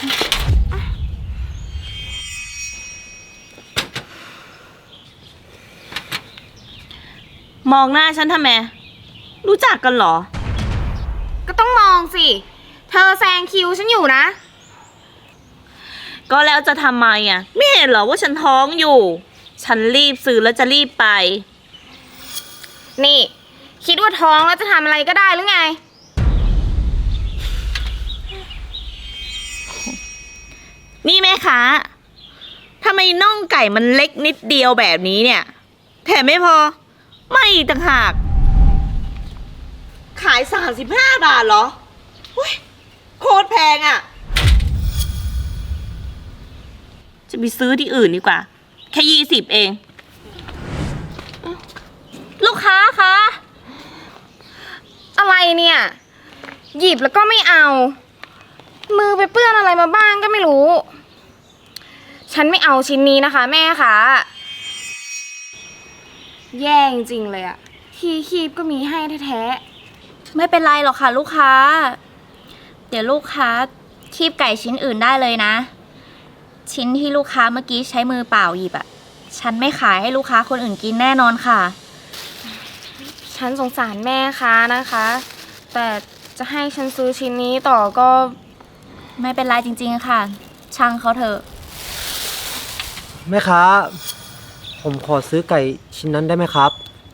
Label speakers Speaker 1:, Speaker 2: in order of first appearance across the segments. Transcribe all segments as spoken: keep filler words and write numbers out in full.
Speaker 1: มองหน้าฉันทำไมรู้จักกันเหรอ
Speaker 2: ก็ต้องมองสิเธอแซงคิวฉันอยู่นะ
Speaker 1: ก็แล้วจะทำไมอ่ะไม่เห็นเหรอว่าฉันท้องอยู่ฉันรีบซื้อแล้วจะรีบไป
Speaker 2: นี่คิดว่าท้องแล้วจะทำอะไรก็ได้หรือไง
Speaker 1: นี่แม่ค้าทำไมน่องไก่มันเล็กนิดเดียวแบบนี้เนี่ยแถมไม่พอไม่ต่างหากขายสามสิบห้าบาทเหรอโคตรแพงอ่ะจะไปซื้อที่อื่นดีกว่าแค่ยี่สิบเองลูกค้าคะ
Speaker 2: อะไรเนี่ยหยิบแล้วก็ไม่เอามือไปเปื้อนอะไรมาบ้างก็ไม่รู้ฉันไม่เอาชิ้นนี้นะคะแม่คะแย่จริงเลยอะที่คีบก็มีให้แท้
Speaker 3: ๆไม่เป็นไรหรอกค่ะลูกค้าเดี๋ยวลูกค้าคีบไก่ชิ้นอื่นได้เลยนะชิ้นที่ลูกค้าเมื่อกี้ใช้มือเปล่าหยิบอะฉันไม่ขายให้ลูกค้าคนอื่นกินแน่นอนค่ะ
Speaker 2: ฉันสงสารแม่ค้านะคะแต่จะให้ฉันซื้อชิ้นนี้ต่อก็
Speaker 3: ไม่เป็นไรจริงๆค่ะช่างเขาเถอะ
Speaker 4: แม่ค้าผมขอซื้อไก่ชิ้นนั้นได้ไหมครับ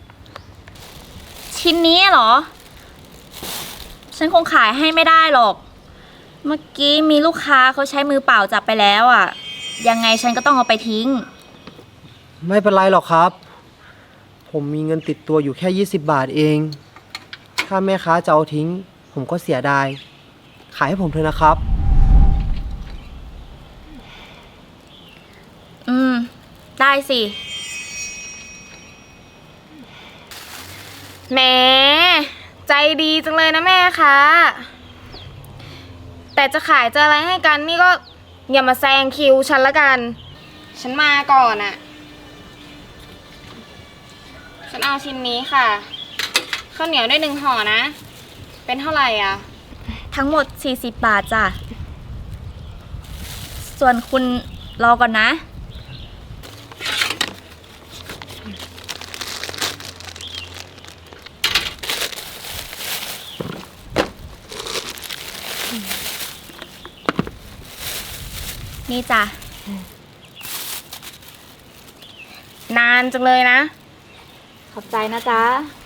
Speaker 3: ชิ้นนี้เหรอฉันคงขายให้ไม่ได้หรอกเมื่อกี้มีลูกค้าเขาใช้มือเปล่าจับไปแล้วอ่ะยังไงฉันก็ต้องเอาไปทิ้ง
Speaker 4: ไม่เป็นไรหรอกครับผมมีเงินติดตัวอยู่แค่ยี่สิบบาทเองถ้าแม่ค้าจะเอาทิ้งผมก็เสียดายขายให้ผมเถอะนะครับ
Speaker 3: อืมได้สิ
Speaker 2: แหมใจดีจังเลยนะแม่คะแต่จะขายจะอะไรให้กันนี่ก็อย่ามาแซงคิวฉันละกันฉันมาก่อนอะฉันเอาชิ้นนี้ค่ะข้าวเหนียวได้หนึ่งห่อนะเป็นเท่าไหร่อ่ะ
Speaker 3: ทั้งหมดสี่สิบบาทจ้ะส่วนคุณรอก่อนนะนี่จ้ะ
Speaker 2: นานจังเลยนะ
Speaker 3: ขอบใจนะจ๊ะ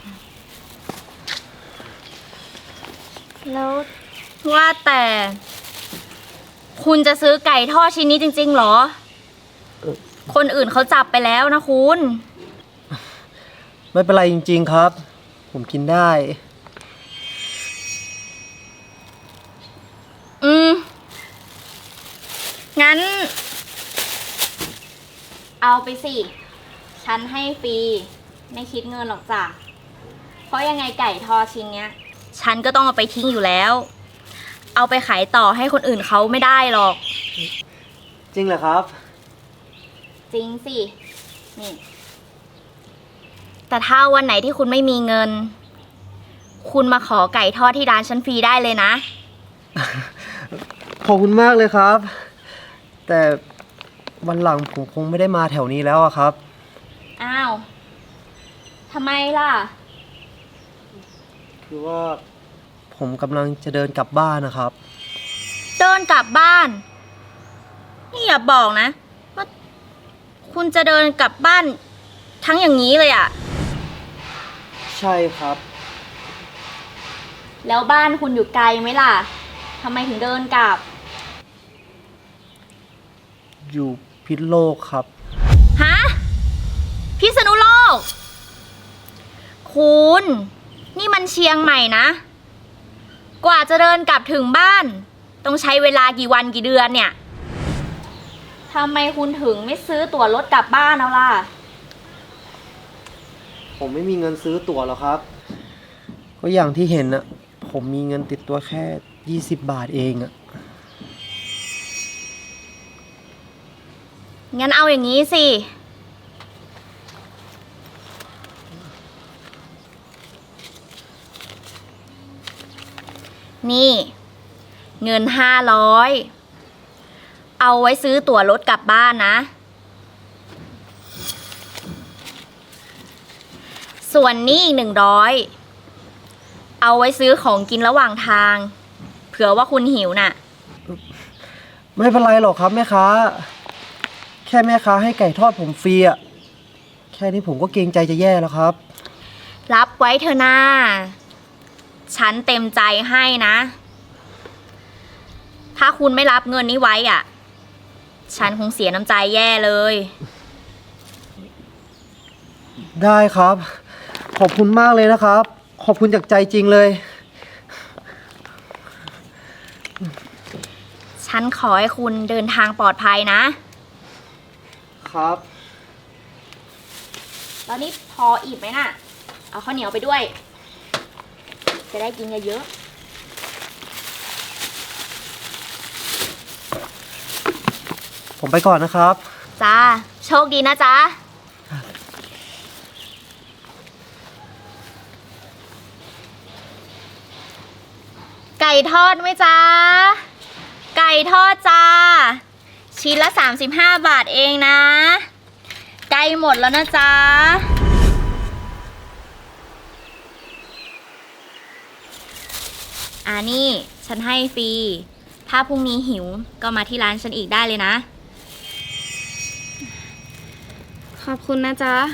Speaker 3: แล้วว่าแต่คุณจะซื้อไก่ทอดชิ้นนี้จริงๆเหรอคนอื่นเขาจับไปแล้วนะคุณ
Speaker 4: ไม่เป็นไรจริงๆครับผมกินได้
Speaker 3: อืมงั้นเอาไปสิฉันให้ฟรีไม่คิดเงินหรอกจ้ะเพราะยังไงไก่ทอดชิ้นเนี้ยฉันก็ต้องเอาไปทิ้งอยู่แล้วเอาไปขายต่อให้คนอื่นเขาไม่ได้หรอก
Speaker 4: จริงเหรอครับ
Speaker 3: จริงสินี่แต่ถ้าวันไหนที่คุณไม่มีเงินคุณมาขอไก่ทอดที่ร้านฉันฟรีได้เลยนะ
Speaker 4: ขอบคุณมากเลยครับแต่วันหลังผมคงไม่ได้มาแถวนี้แล้วอะครับ
Speaker 3: อ้าวทำไมล่ะ
Speaker 4: คือว่าผมกำลังจะเดินกลับบ้านนะครับ
Speaker 3: เดินกลับบ้านนี่อย่าบอกนะว่าคุณจะเดินกลับบ้านทั้งอย่างนี้เลยอ่ะ
Speaker 4: ใช่ครับ
Speaker 3: แล้วบ้านคุณอยู่ไกลไหมล่ะทำไมถึงเดินกลับ
Speaker 4: อยู่พิษณุโลกครับ
Speaker 3: ฮะพิษณุโลกคุณนี่มันเชียงใหม่นะกว่าจะเดินกลับถึงบ้านต้องใช้เวลากี่วันกี่เดือนเนี่ยทำไมคุณถึงไม่ซื้อตั๋วรถกลับบ้านเอาล่ะ
Speaker 4: ผมไม่มีเงินซื้อตั๋วหรอกครับก็อย่างที่เห็นน่ะผมมีเงินติดตัวแค่ยี่สิบบาทเองอะ
Speaker 3: งั้นเอาอย่างนี้สินี่เงินห้าร้อยเอาไว้ซื้อตั๋วรถกลับบ้านนะ ส่วนนี้อีกหนึ่งร้อยเอาไว้ซื้อของกินระหว่างทาง เผื่อว่าคุณหิวน่ะ
Speaker 4: ไม่เป็นไรหรอกครับแม่ค้า แค่แม่ค้าให้ไก่ทอดผมฟรีอะแค่นี้ผมก็เกรงใจจะแย่แล้วครับ
Speaker 3: รับไว้เถอะนาฉันเต็มใจให้นะ ถ้าคุณไม่รับเงินนี้ไว้อ่ะ ฉันคงเสียน้ำใจแย่เลย
Speaker 4: ได้ครับ ขอบคุณมากเลยนะครับ ขอบคุณจากใจจริงเลย
Speaker 3: ฉันขอให้คุณเดินทางปลอดภัยนะ
Speaker 4: ครับ
Speaker 3: ตอนนี้พออิ่มไหมน่ะ เอาข้าวเหนียวไปด้วย จะได้กินเยอะ
Speaker 4: ผมไปก่อนนะครับ
Speaker 3: ๆจ้า โชคดีนะจ๊ะ ไก่ทอดไหมจ๊ะ ไก่ทอดจ้า ชิ้นละสามสิบห้าบาทเองนะ ใกล้หมดแล้วนะจ๊ะ อ่านี่ ฉันให้ฟรี ถ้าพรุ่งนี้หิวก็มาที่ร้านฉันอีกได้เลยนะ
Speaker 2: ขอบคุณนะจ๊ะ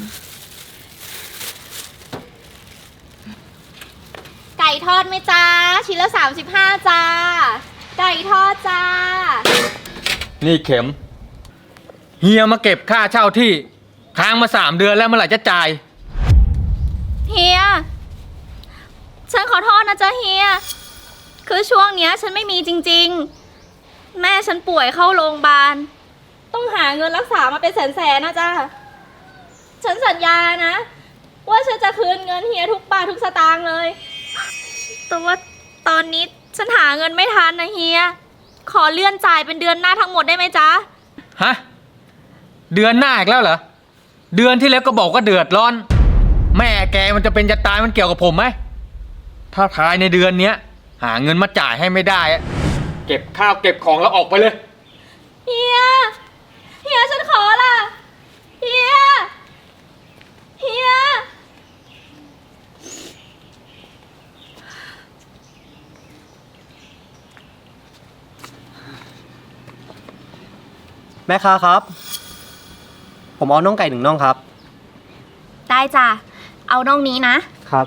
Speaker 3: ไก่ทอดไหมจ้า ชิ้นละสามสิบห้าจ้า ไก่ทอดจ้า
Speaker 5: นี่เข็ม เฮียมาเก็บค่าเช่าที่ค้างมาสามเดือนแล้วเมื่อไหร่จะจ่าย
Speaker 3: เฮีย ฉันขอโทษนะจ๊ะเฮีย คือช่วงเนี้ยฉันไม่มีจริงๆ แม่ฉันป่วยเข้าโรงพยาบาล ต้องหาเงินรักษามาเป็นแสนๆนะจ๊ะ ฉันสัญญานะ ว่าฉันจะคืนเงินเฮียทุกบาททุกสตางค์เลย แต่ว่าตอนนี้ฉันหาเงินไม่ทันนะเฮีย ขอเลื่อนจ่ายเป็นเดือนหน้าทั้งหมดได้ไหมจ๊ะ
Speaker 5: ฮะ เดือนหน้าอีกแล้วเหรอ เดือนที่แล้วก็บอกว่าเดือดร้อน แม่แกมันจะเป็นจะตายมันเกี่ยวกับผมไหม ถ้าภายในเดือนเนี้ย หาเงินมาจ่ายให้ไม่ได้อะเก็บข้าวเก็บของแล้วออกไปเลย
Speaker 3: เฮีย เฮียฉันขอล่ะ เฮีย เฮีย
Speaker 4: แม่ค้าครับ ผมเอาน่องไก่หนึ่งน่องครับ
Speaker 3: ได้จ้ะ เอาน่องนี้นะ
Speaker 4: ครับ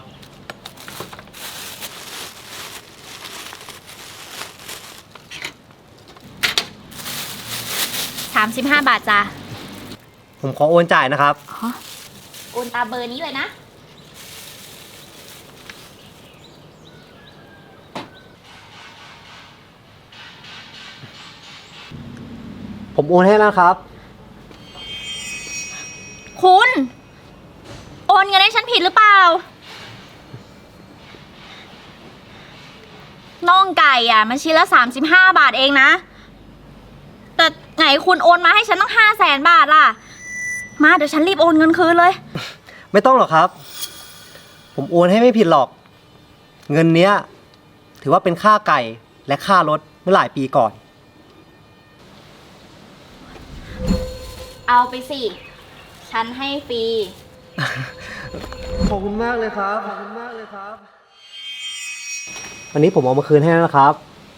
Speaker 3: สามสิบห้าบาทจ้ะ
Speaker 4: ผมขอโอนจ่ายนะครับ
Speaker 3: โอนตามเบอร์นี้เลยนะ
Speaker 4: ผมโอนให้แล้วครับ
Speaker 3: คุณ โอนเงินให้ฉันผิดหรือเปล่า น่องไก่อ่ะ มันชิ้นละสามสิบห้าบาทเองนะ แต่ไหนคุณโอนมาให้ฉันต้องห้าแสนบาทล่ะ มาเดี๋ยวฉันรีบโอนเงินคืนเลย
Speaker 4: ไม่ต้องหรอกครับ ผมโอนให้ไม่ผิดหรอก เงินเนี้ย ถือว่าเป็นค่าไก่และค่ารถเมื่อหลายปีก่อน
Speaker 3: เอาไปสิ ฉันให้ฟรี
Speaker 4: ขอบคุณมากเลยครับ ขอบคุณมากเลยครับ วันนี้ผมเอามาคืนให้แล้วนะครับ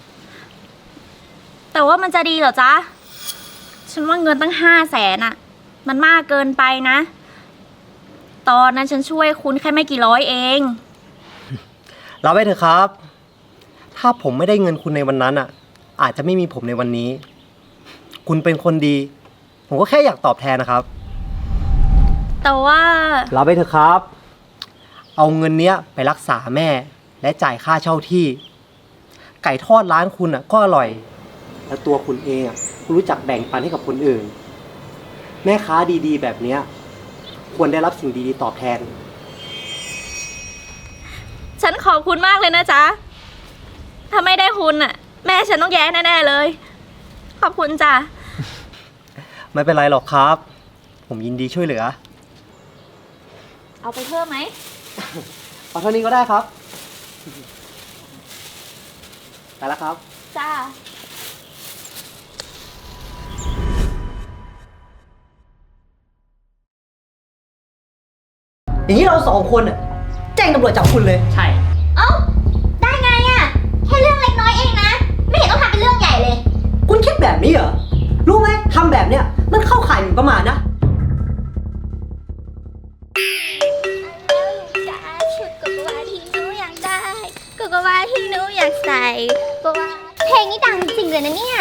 Speaker 3: แต่ว่ามันจะดีเหรอจ๊ะ ฉันว่าเงินตั้งห้าแสนอะมันมากเกินไปนะ ตอนนั้นฉันช่วยคุณแค่ไม่กี่ร้อยเอง
Speaker 4: รับไว้เถอะครับ ถ้าผมไม่ได้เงินคุณในวันนั้นอ่ะ อาจจะไม่มีผมในวันนี้ คุณเป็นคนดี ผมก็แค่อยากตอบแทนนะครับ
Speaker 3: แต่ว่า
Speaker 4: รับไปเถอะครับ เอาเงินเนี้ยไปรักษาแม่และจ่ายค่าเช่าที่ ไก่ทอดร้านคุณอ่ะก็อร่อย แล้วตัวคุณเองอ่ะรู้จักแบ่งปันให้กับคนอื่น แม่ค้าดีๆ แบบเนี้ยควรได้รับสิ่งดีๆตอบแทน
Speaker 3: ฉันขอบคุณมากเลยนะจ๊ะ ถ้าไม่ได้คุณอะแม่ฉันต้องแย่แน่ๆเลย ขอบคุณจ้ะ
Speaker 4: ไม่เป็นไรหรอกครับ ผมยินดีช่วยเหลือ
Speaker 3: เอาไปเพิ่มไหม
Speaker 4: เอาเท่านี้ก็ได้ครับ ไปแล้วครับ
Speaker 3: จ้า
Speaker 4: อย่างนี้เราสองคนอ่ะแจ้งตำรวจจับคุณเลย
Speaker 6: ใช่
Speaker 3: เอ้า ได้ไงอะแค่เรื่องเล็กน้อยเองนะ ไม่เห็นต้องทำเป็นเรื่องใหญ่เลย
Speaker 4: คุณคิดแบบนี้เหรอ รู้ไหมทำแบบเนี้ยมันเข้าข่ายหมิ่นประมาทนะ
Speaker 3: จ้าชุดกกวาที่หนูอยากได้กกวาที่หนูอยากใส่กกวาเพลงนี้ดังจริงเลยนะเนี่ย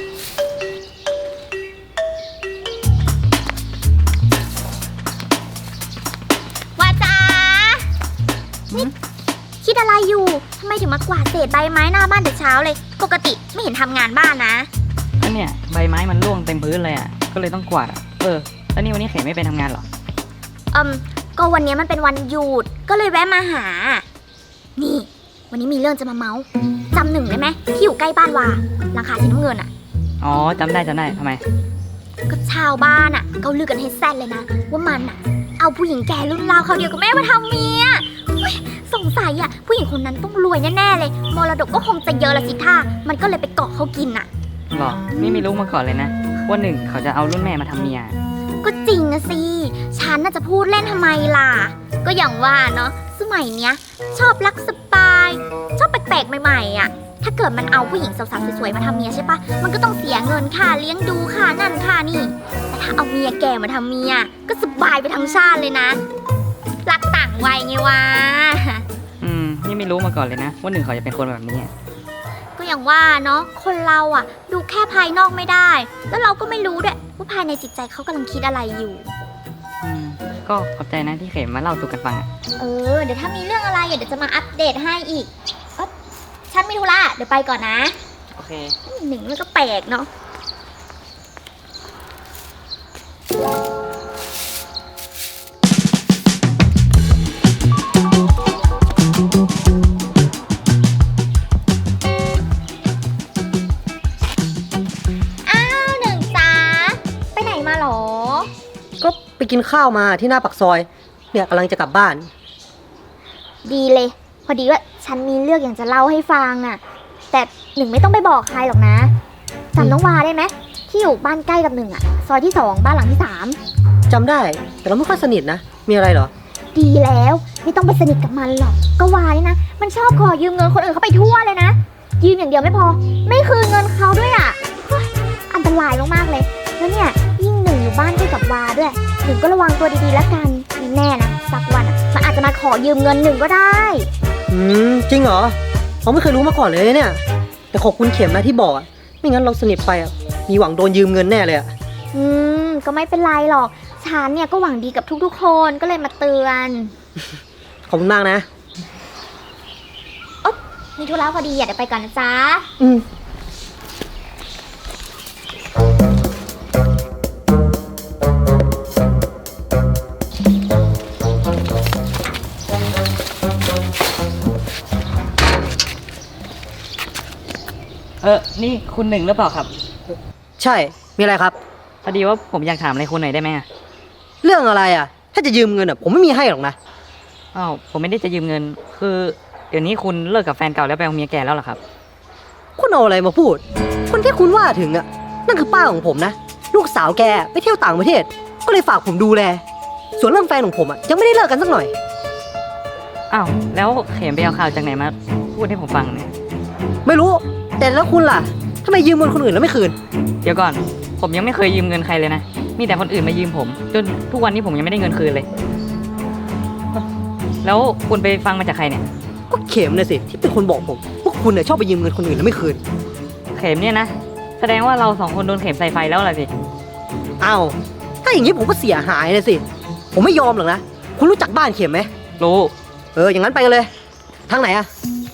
Speaker 3: ว่าจ้านี่คิดอะไรอยู่ทำไมถึงมากวาดเศษใบไม้หน้าบ้านแต่เช้าเลย ปกติไม่เห็นทำงานบ้านนะ
Speaker 6: ก็เนี่ยใบไม้มันร่วงเต็มพื้นเลยอ่ะ ก็เลยต้องกวาดอ่ะ เออ แล้วนี่วันนี้เขมไม่ไปทำงานเหรอ
Speaker 3: อืมก็วันนี้มันเป็นวันหยุดก็เลยแวะมาหา นี่ วันนี้มีเรื่องจะมาเมาส์จำหนึ่งได้ไหมที่อยู่ใกล้บ้านวาหลังคาสีน้ำเงินอ่ะ
Speaker 6: อ๋อจำได้จำได้ทำไม
Speaker 3: ก็ชาวบ้านอ่ะเขาลือกันให้แซ่ดเลยนะ ว่ามันอ่ะ เอาผู้หญิงแก่รุ่นราวเขาวเดียวกับแม่มาทำเมียเฮ้ยสงสัยอ่ะผู้หญิงคนนั้นต้องรวยแน่ๆเลยมรดกก็คงจะเยอะละสิท่ามันก็เลยไปเกาะเขากินอ่ะ
Speaker 6: หรอ นี่ไม่รู้มาก่อนเลยนะ ว่าหนึ่งเขาจะเอารุ่นแม่มาทำเมีย
Speaker 3: ก็จริงนะสิ ฉันน่าจะพูดเล่นทำไมล่ะ ก็อย่างว่าเนาะ สมัยเนี้ย ชอบรักสปาย ชอบแปลกๆใหม่ๆอ่ะ ถ้าเกิดมันเอาผู้หญิงสาวๆสวยๆมาทำเมียใช่ปะ มันก็ต้องเสียเงินค่าเลี้ยงดูค่านั่นค่านี่ แต่ถ้าเอาเมียแก่มาทำเมีย ก็สบายไปทั้งชาติเลยนะ รักต่างวัยไงวะ
Speaker 6: อืม นี่ไม่รู้มาก่อนเลยนะ ว่าหนึ่งเขาจะเป็นคนแบบนี้อะ
Speaker 3: ก็อย่างว่าเนาะ คนเราอ่ะ ดูแค่ภายนอกไม่ได้ แล้วเราก็ไม่รู้ด้วยว่าภายในจิตใจเขากำลังคิดอะไรอยู่
Speaker 6: อืม ก็ขอบใจนะที่เขมมาเล่าสู่กันฟังอ่ะ
Speaker 3: เออ เดี๋ยวถ้ามีเรื่องอะไรเดี๋ยวจะมาอัปเดตให้อีกเอ้อฉันมีธุระเดี๋ยวไปก่อนนะ
Speaker 6: โอเค
Speaker 3: หนึ่งมันก็แปลกเนาะ อ้าวหนึ่งจ้าไปไหนมาหรอ
Speaker 4: ก็ไปกินข้าวมาที่หน้าปากซอย เนี่ยกำลังจะกลับบ้าน
Speaker 3: ดีเลย พอดีว่าฉันมีเรื่องอยากจะเล่าให้ฟังน่ะ แต่หนึ่งไม่ต้องไปบอกใครหรอกนะจำน้องวาได้ไหมที่อยู่บ้านใกล้กับหนึ่งอ่ะ ซอยที่สองบ้านหลังที่สาม
Speaker 4: จำได้ แต่เราไม่ค่อยสนิทนะ มีอะไรเหรอ
Speaker 3: ดีแล้วไม่ต้องไปสนิทกับมันหรอกก็วานี่นะ มันชอบขอยืมเงินคนอื่นเขาไปทั่วเลยนะ ยืมอย่างเดียวไม่พอ ไม่คืนเงินเขาด้วยอ่ะเฮ้ยอันตรายมากๆเลย แล้วเนี่ยยิ่งหนึ่งอยู่บ้านใกล้กับวาด้วยหนึ่งก็ระวังตัวดีๆแล้วกันไม่แน่นะสักวันอ่ะมันอาจจะมาขอยืมเงินหนึ่งก็ได้
Speaker 4: อืม จริงเหรอเราไม่เคยรู้มาก่อนเลยเนี่ย แต่ขอบคุณเข็มนะที่บอกอะไม่งั้นเราสนิทไปอะมีหวังโดนยืมเงินแน่เลยอะ
Speaker 3: อืมก็ไม่เป็นไรหรอกฉันเนี่ยก็หวังดีกับทุกๆคนก็เลยมาเตือน
Speaker 4: ขอบคุณมากนะ
Speaker 3: มีธุระพอดีอ่ะเดี๋ยวไปก่อนนะจ๊ะ
Speaker 4: อืม
Speaker 6: เออ นี่คุณหนึ่งหรือเปล่าครับ
Speaker 4: ใช่ มีอะไรครับ
Speaker 6: พอดีว่าผมอยากถามอะไรคุณหน่อยได้ไหมอะ
Speaker 4: เรื่องอะไรอะถ้าจะยืมเงินอะผมไม่มีให้หรอกนะ
Speaker 6: อ้าวผมไม่ได้จะยืมเงิน คือเดี๋ยวนี้คุณเลิกกับแฟนเก่าแล้วไปเอาเมียแก่แล้วเหรอครับ
Speaker 4: คุณเอาอะไรมาพูด คนที่คุณว่าถึงอะนั่นคือป้าของผมนะ ลูกสาวแกไปเที่ยวต่างประเทศ ก็เลยฝากผมดูแล ส่วนเรื่องแฟนของผมอะยังไม่ได้เลิกกันสักหน่อย
Speaker 6: อ้าว แล้วเขมไปเอาข่าวจากไหนมาพูดให้ผมฟังเนี่ย
Speaker 4: ไม่รู้ แต่แล้วคุณล่ะทำไมยืมเงินคนอื่นแล้วไม่คืน
Speaker 6: เดี๋ยวก่อน ผมยังไม่เคยยืมเงินใครเลยนะ มีแต่คนอื่นมายืมผม จนทุกวันนี้ผมยังไม่ได้เงินคืนเลย แล้วคุณไปฟังมาจากใครเนี่ย
Speaker 4: ก็เข็มเลยสิที่เป็นคนบอกผมพวกคุณเนี่ยชอบไปยืมเงินคนอื่นแล้วไม่คืน
Speaker 6: เข็มเนี่ยนะ แสดงว่าเราสองคนโดนเข็มใส่ไฟแล้วล่ะสิ
Speaker 4: อ้าวถ้าอย่างนี้ผมก็เสียหายนะสิ ผมไม่ยอมหรอกนะ คุณรู้จักบ้านเข็มไหม
Speaker 6: รู้
Speaker 4: เอออย่างนั้นไปกันเลย ทางไหนอะ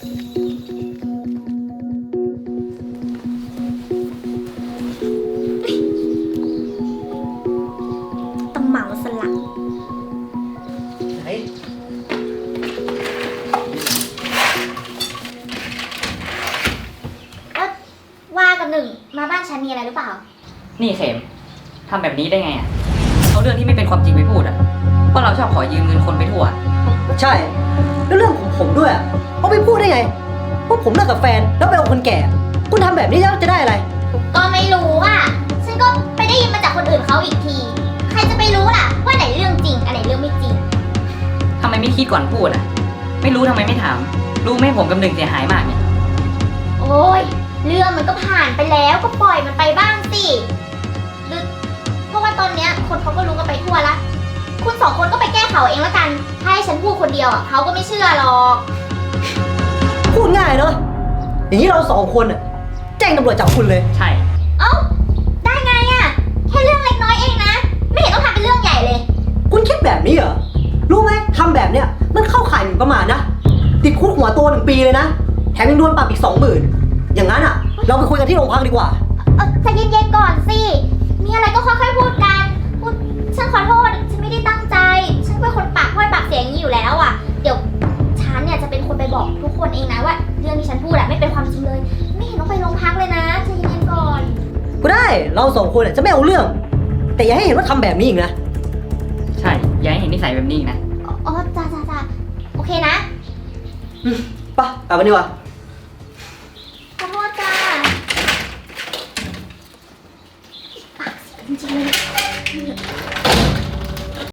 Speaker 3: ต้องเหมาสละ
Speaker 4: ไหน
Speaker 3: เอ๊ะว่ากับหนึ่งมาบ้านฉันมีอะไรหรือเปล่า
Speaker 6: นี่เข็มทำแบบนี้ได้ไงอ่ะเอาเรื่องที่ไม่เป็นความจริงไปพูดอ่ะว่าเราชอบขอยืมเงินคนไปทั่ว
Speaker 4: ใช่ แล้วเรื่องของผมด้วยอะเอาไปพูดได้ไงว่าผมเลิกกับแฟนแล้วไปเอาคนแก่ คุณทำแบบนี้แล้วจะได้อะไร
Speaker 3: ก็ไม่รู้อ่ะ ฉันก็ไปได้ยินมาจากคนอื่นเขาอีกที ใครจะไปรู้ล่ะว่าไหนเรื่องจริงอะไรเรื่องไม่จริง
Speaker 6: มไม่คิดก่อนพูดอ่ะ ไม่รู้ทำไมไม่ถาม รู้ไหมผมกับหนึ่งเสียหายมากเนี่ย
Speaker 7: โอ้ยเรื่องมันก็ผ่านไปแล้วก็ปล่อยมันไปบ้างสิหรือเพราะว่าตอนเนี้ยคนเขาก็รู้กันไปทั่วละคุณสองคนก็ไปแก้ข่าวเองละกันถ้าให้ฉันพูดคนเดียวอ่ะเขาก็ไม่เชื่อหรอก
Speaker 4: พูดง่ายเนาะ อย่างนี้เราสองคนอ่ะแจ้งตำรวจจับคุณเลย
Speaker 6: ใช่
Speaker 7: เอ้าได้ไงอ่ะแค่เรื่องเล็กน้อยเองนะไม่เห็นต้องทำเป็นเรื่องใหญ่เลย
Speaker 4: คุณคิดแบบนี้เหรอ รู้ไหมทำแบบเนี้ยมันเข้าข่ายหมิ่นประมาทนะ ติดคุกหัวโตหนึ่งปีเลยนะ แถมยังโดนปรับอีกสองหมื่นอย่างนั้นอ่ะ เราไปคุยกันที่โรงพักดีกว่า
Speaker 7: เออใจเย็นๆก่อนสิ มีอะไรก็ค่อยๆพูดกันพูดฉันขอโทษ ฉันไม่ได้ตั้งใจ ฉันเป็นคนปากห้อยปากเสียอย่างนี้อยู่แล้วอ่ะ เดี๋ยวฉันเนี่ยจะเป็นคนไปบอกทุกคนเองนะว่าเรื่องที่ฉันพูดอะไม่เป็นความจริงเลย ไม่เห็นต้องไปโรงพักเลยนะใจเย็นๆก่อน
Speaker 4: ก็ได้ เราสองคนอ่ะจะไม่เอาเรื่อง แต่อย่าให้เห็นว่าทำแบบนี้อีกนะ
Speaker 6: ใช่ อย่าให้เห็นนิสัยแบบนี้อีกนะ
Speaker 7: อ๋ออ๋อจ้าจ้าจ้าโอเคนะ
Speaker 4: ไปะกลับกันดีกว่า
Speaker 7: ขอโทษจ้าปากเสียจริงๆเลย